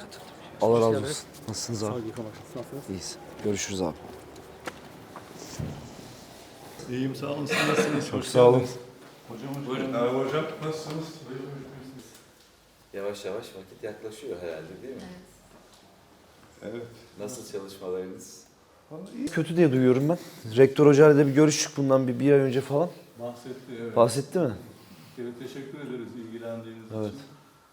Allah razı olsun. Nasılsınız Sağ abi? olun, nasılsınız? İyiyiz. Görüşürüz abi. İyiyim, sağ olun. Siz nasılsınız? Çok sağ olun. Hocam hoş Buyurun. geldiniz. Hocam nasılsınız? Yavaş yavaş vakit yaklaşıyor herhalde değil mi? Evet. Nasıl çalışmalarınız? Kötü diye duyuyorum ben. Rektör hocayla da bir görüştük bundan bir ay önce falan. Bahsetti, evet. Bahsetti mi? Bir kere teşekkür ederiz ilgilendiğiniz Evet. için.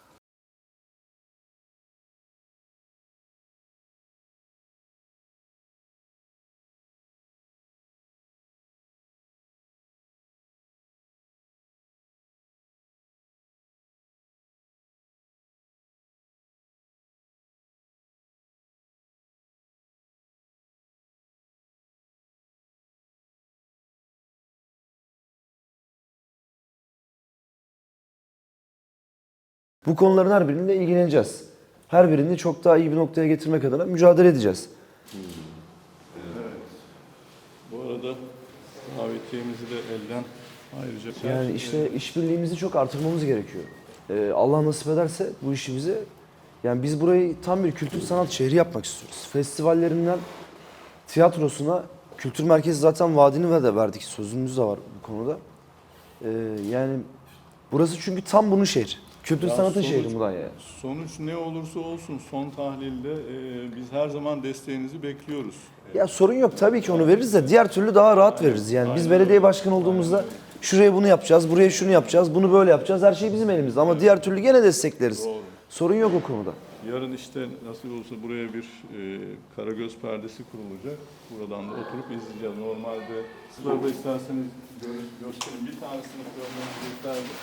Bu konuların her birinde ilgileneceğiz. Her birini çok daha iyi bir noktaya getirmek adına mücadele edeceğiz. Evet. Bu arada davetiyemizi de elden ayrıca... Yani işte işbirliğimizi çok artırmamız gerekiyor. Allah nasip ederse bu işimizi, yani biz burayı tam bir kültür sanat şehri yapmak istiyoruz. Festivallerinden tiyatrosuna, kültür merkezi zaten vaadini de verdik, sözümüz de var bu konuda. Yani burası çünkü tam bunun şehri. Kültür Ya sanatın sonuç- şehri Mudanya. Sonuç ne olursa olsun son tahlilde biz her zaman desteğinizi bekliyoruz. Ya sorun yok, tabii ki onu veririz de diğer türlü daha rahat veririz. Yani biz belediye başkanı olduğumuzda şuraya bunu yapacağız, buraya şunu yapacağız, bunu böyle yapacağız. Her şey bizim elimizde ama diğer türlü gene destekleriz. Doğru. Sorun yok o konuda. Yarın işte nasıl olsa buraya bir karagöz perdesi kurulacak. Buradan da oturup izleyeceğiz. Normalde sizler de isterseniz gösterin. Bir tanesini görmenizi yeterli.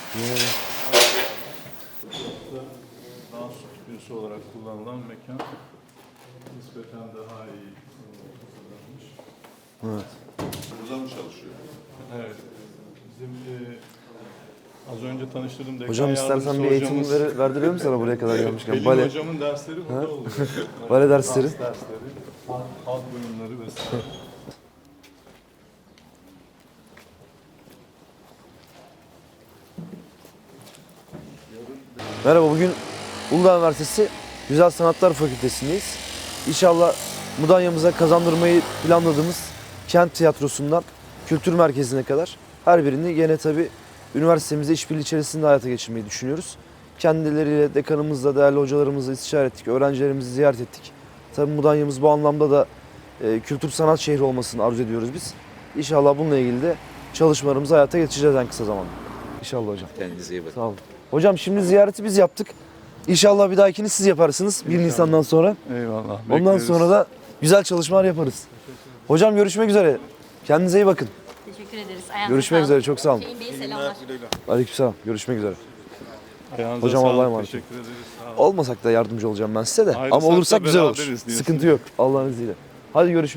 Burası dans stüdyosu olarak kullanılan mekan nispeten daha iyi hazırlanmış. Evet. Burada mı çalışıyor? Evet. Bizim az önce tanıştırdığım dekan Hocam istersen yardımcısı bir eğitim hocamız- verdirelim mi sana buraya kadar gelmişken? Pelin Bale, hocamın dersleri burada oluyor. Bale dersleri. Dans dersleri, halk oyunları vesaire. Merhaba, bugün Uludağ Üniversitesi Güzel Sanatlar Fakültesindeyiz. İnşallah Mudanya'mıza kazandırmayı planladığımız kent tiyatrosundan kültür merkezine kadar her birini yine tabii üniversitemizde işbirliği içerisinde hayata geçirmeyi düşünüyoruz. Kendileriyle, dekanımızla, değerli hocalarımızla istişare ettik, öğrencilerimizi ziyaret ettik. Tabii Mudanya'mız bu anlamda da kültür sanat şehri olmasını arzu ediyoruz biz. İnşallah bununla ilgili de çalışmalarımızı hayata geçireceğiz en kısa zamanda. İnşallah hocam. Kendinize iyi bakın. Sağ olun. Hocam şimdi ziyareti biz yaptık. İnşallah bir dahakini siz yaparsınız 1 Nisan'dan sonra. Eyvallah. Ondan bekleriz. sonra da güzel çalışmalar yaparız. Hocam görüşmek üzere. Kendinize iyi bakın. Teşekkür ederiz. Ayağınıza Görüşmek sağlık. üzere. Çok sağ olun. Hüseyin Bey selamlar. Aleykümselam. Görüşmek üzere. Ayağınıza Hocam sağlık, Allah'a emanet olun. Teşekkür ederiz. Sağ olun. Olmasak da yardımcı olacağım ben size de. Ayrılsak Ama olursak da güzel olur. beraberiz diyorsun. Sıkıntı yok Allah'ın izniyle. Hadi görüşmek